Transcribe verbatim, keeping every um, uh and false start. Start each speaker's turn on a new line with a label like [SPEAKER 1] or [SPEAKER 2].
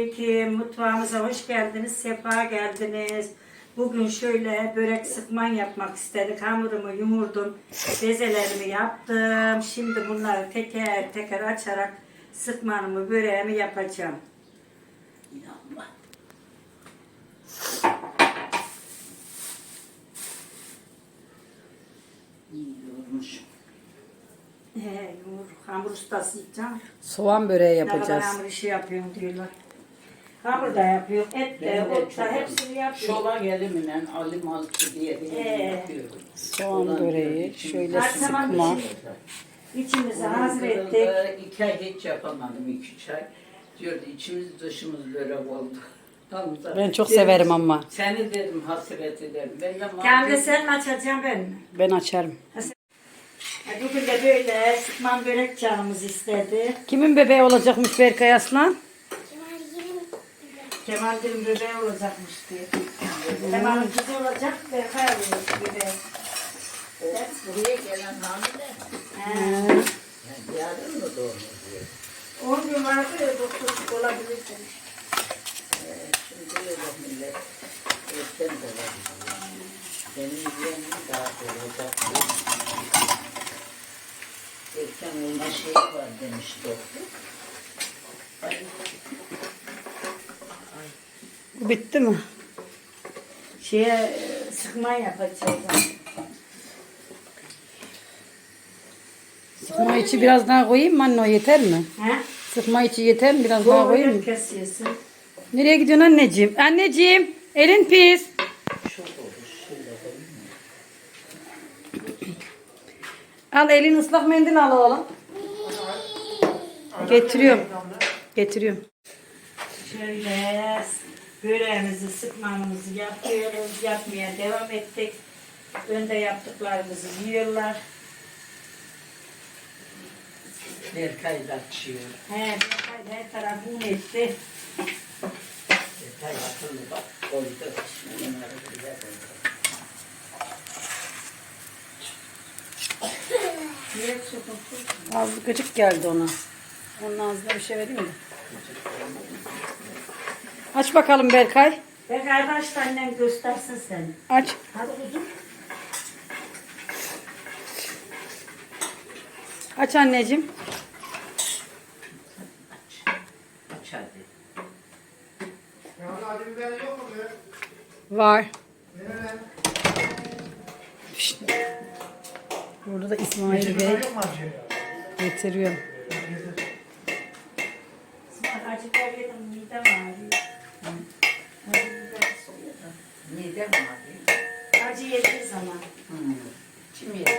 [SPEAKER 1] Selamünaleyküm. Mutfağımıza hoş geldiniz, sefa geldiniz. Bugün şöyle börek sıkman yapmak istedik. Hamurumu yumurdum, bezelerimi yaptım. Şimdi bunları teker teker açarak sıkmanımı, böreğimi yapacağım.
[SPEAKER 2] İnanma. İyi yormuşum.
[SPEAKER 1] He, yumur, hamur ustasıyacağım.
[SPEAKER 3] Soğan böreği
[SPEAKER 1] Ne kadar
[SPEAKER 3] yapacağız.
[SPEAKER 1] hamur işi yapıyorum diyorlar. Hamur da yapıyor, et de,
[SPEAKER 2] Ben de
[SPEAKER 1] ot da hepsini yapıyor.
[SPEAKER 2] Şola elimle alim alçı diye bir
[SPEAKER 1] Ee,
[SPEAKER 2] yapıyorum.
[SPEAKER 3] Soğan böreği şöyle
[SPEAKER 1] Her zaman
[SPEAKER 3] sıkma.
[SPEAKER 1] İçimizi hazır ettik.
[SPEAKER 2] Fırında iki ay hiç yapamadım, iki üç ay. Diyordu içimiz dışımız börek oldu. Hamza,
[SPEAKER 3] Ben çok
[SPEAKER 2] dedim,
[SPEAKER 3] severim ama.
[SPEAKER 2] Seni dedim hasret ederim. Ben de
[SPEAKER 1] Kendi
[SPEAKER 2] mahvet-
[SPEAKER 1] sen mi açacaksın ben mi?
[SPEAKER 3] Ben açarım.
[SPEAKER 1] Bugün de böyle sıkman börek canımız istedi.
[SPEAKER 3] Kimin bebeği olacakmış Berkay Aslan?
[SPEAKER 1] Kemal'in bebeği olacakmış diye. Kemal'in kızı olacak, Berkay alıyor bebeği.
[SPEAKER 2] Sen buraya gelen hamile.
[SPEAKER 1] He.
[SPEAKER 2] Yani yarın mı doğmuş diye.
[SPEAKER 1] On gün vardı ya doktor olabilir demiş.
[SPEAKER 2] Ee, şimdi öyle millet erken de var. Benim yeğenim daha olacak. Erken olma şeyi var demiş doktor. Ay,
[SPEAKER 3] Bu bitti mi?
[SPEAKER 1] Şeye e, sıkman yapacağız.
[SPEAKER 3] Sıkma içi biraz daha koyayım mı anne, o yeter mi?
[SPEAKER 1] He?
[SPEAKER 3] Sıkma içi yeter mi? Biraz daha koyayım mı?
[SPEAKER 1] Doğru kesiyorsun.
[SPEAKER 3] Nereye gidiyorsun anneciğim? Anneciğim, elin pis.
[SPEAKER 2] çok olur. Şöyle koyayım mı?
[SPEAKER 3] Al, elin ıslak mendil al oğlum. Getiriyorum. Getiriyorum.
[SPEAKER 1] Şöyle böreğimizi, sıkmamızı yapıyoruz. Yapmaya devam ettik. Önde yaptıklarımızı yiyorlar.
[SPEAKER 2] Berkay da açıyor.
[SPEAKER 1] He, Berkay da her tarafı un etti.
[SPEAKER 2] Berkay akıllı bak. Koydu. Bunları güzel koydu.
[SPEAKER 1] Niye sokuyorsun?
[SPEAKER 3] Az gıcık geldi ona. Onun ağzına bir şey vereyim mi? Aç bakalım Berkay.
[SPEAKER 1] Berkay başta annen göstersin seni.
[SPEAKER 3] Aç.
[SPEAKER 1] Hadi kuzum.
[SPEAKER 3] Aç anneciğim.
[SPEAKER 2] Aç hadi.
[SPEAKER 4] Ya acı biber yok mu be?
[SPEAKER 3] Var.
[SPEAKER 4] Nerede?
[SPEAKER 3] Şşt. Burada da
[SPEAKER 4] Acı
[SPEAKER 3] İsmail Bey
[SPEAKER 4] biber yok mu acı?
[SPEAKER 3] getiriyor.
[SPEAKER 1] İsmail acı biber yedim, midem ağrıyor. Acı biber soğuyor da.
[SPEAKER 2] Midem ağrıyor.
[SPEAKER 1] Acı yediği zaman.
[SPEAKER 2] Hmm. Kim yedi?